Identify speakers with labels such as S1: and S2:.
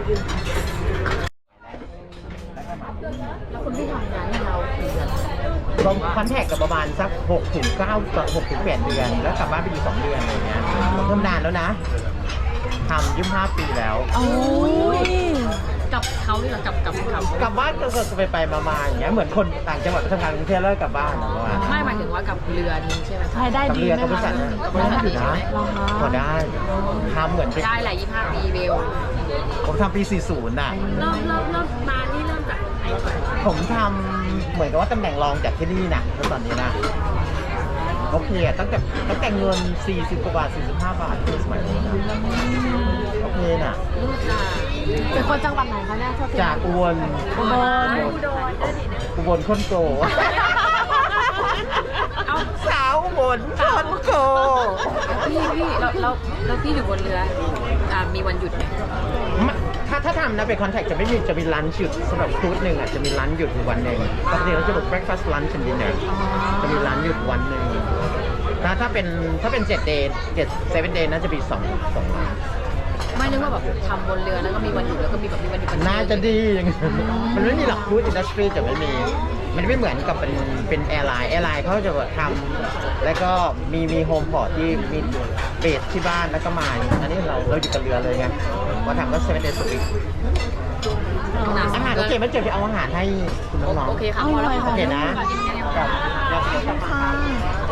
S1: แล้วคุณพี่ทำงานให้เรากี่เดือน
S2: คอนแทคกับประมาณสัก6 ถึง 9 6 ถึง 8 เดือนแล้วกลับบ้านไปอยู่2 เดือนอะไรเงี้ยผมทำนานแล้วนะทำ25 ปีแล้ว
S1: โอ้ยกับเขาหรือกับ
S2: กลับบ้านก็ไปมาๆอย่างเงี้ยเหมือนคนต่างจังหวัดไปทำงานกรุงเทพแล้วกลับบ้านนะประมาณ
S1: ไม่หมายถึงว่ากับเรือนใช่ไหมคะ
S3: รายได้
S2: กับ
S3: ดี
S2: เรือ
S3: ไหม
S2: กับบริษั
S3: คะ
S2: ทก็ได้อยู่นะพอได้ทำเหมือนเป็น
S1: ได้แหละ25 ปีเบล
S2: ผมทำปี 40 น่ะ
S1: เริ่มมานี่เริ่มจากไหนก่อน
S2: ผมทำเหมือนกับว่าตำแหน่งรองจากที่นี่นะแล้วตอนนี้นะโอเคอะตั้งแต่เงิน40 กว่าบาท45 บาทที่สมัยนู้นนะโอเคน่ะ
S1: ลูกค่ะ
S3: เป็นคนจังหวัดไหนคะเนี่ยโทษที
S2: จากอุบล
S3: อุบล
S2: อุบลคนโก
S1: เอา
S2: สาวอุบลคนโก
S1: พี่แล้วพี่อยู่บนเรือมีวันหยุดไหม
S2: ถ้าทำนะเป็นคอนแทคจะมีลันช์หยุดสำหรับครูดหนึ่งอ่ะจะมีลันช์หยุดอยู่วันหนึ่งปกติเราจะบอก breakfast lunch and dinner จะมีลันช์หยุดวันหนึ่งถ้าเป็น7 day 7 day น่าจะมี2 วัน
S1: ไม่นึกว่าแบบทำบนเรือแล้วก็มีวันหยุดแล้วก็มีแบบมีวันหยุด
S2: น่าจะดีอย่างนั้นมันไม่มีหรอกฟู้ดอินดัสทรีจะไม่มี มันไม่เหมือนกับเป็นแอร์ไลน์เขาจะทำแล้วก็มีโฮมพอร์ตที่มีเบสที่บ้านแล้วก็มาอันนี้เราอยู่กับเรือเลยไงว่าทำก็เซเว่นเดย์สุดอาหารโอเคไม่เจอไปเอาอาหารให้คุณน้องๆ
S1: โอเคค่ะพอแล้ว
S2: โอเคนะ
S1: ขอกินแค่นี้พอ
S2: กับ